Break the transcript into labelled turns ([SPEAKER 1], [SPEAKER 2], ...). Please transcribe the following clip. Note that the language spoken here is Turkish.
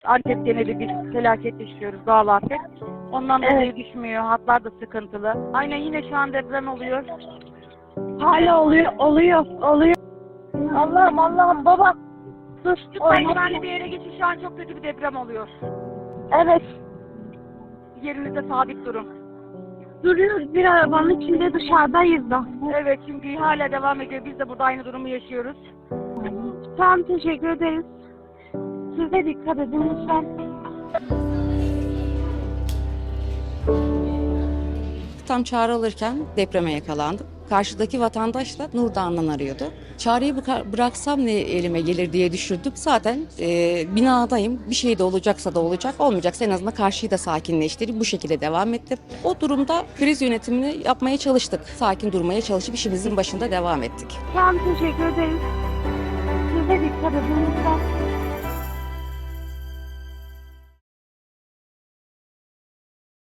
[SPEAKER 1] Antep geneli bir felaket yaşıyoruz, doğal afet. Ondan dolayı düşmüyor, hatlar da sıkıntılı. Aynen yine şu an deprem oluyor.
[SPEAKER 2] Hala oluyor. Allah'ım baba. Dur.
[SPEAKER 1] Lütfen güvenli bir yere geçin, şu an çok kötü bir deprem oluyor.
[SPEAKER 2] Evet.
[SPEAKER 1] Yerinizde sabit durun.
[SPEAKER 2] Duruyoruz bir arabanın içinde, dışarıdayız da.
[SPEAKER 1] Evet, çünkü hala devam ediyor. Biz de burada aynı durumu yaşıyoruz.
[SPEAKER 2] Tamam, teşekkür ederiz. Siz de dikkat edin lütfen.
[SPEAKER 3] Tam çağrı alırken depreme yakalandım. Karşıdaki vatandaş da Nurdağ'ından arıyordu. Çağrıyı bıraksam ne elime gelir diye düşündüm. Zaten binadayım. Bir şey de olacaksa da olacak, olmayacaksa en azından karşıyı da sakinleştirip bu şekilde devam ettim. O durumda kriz yönetimini yapmaya çalıştık. Sakin durmaya çalışıp işimizin başında devam ettik.
[SPEAKER 2] Tamam, teşekkür ederiz. Siz de dikkat edin lütfen.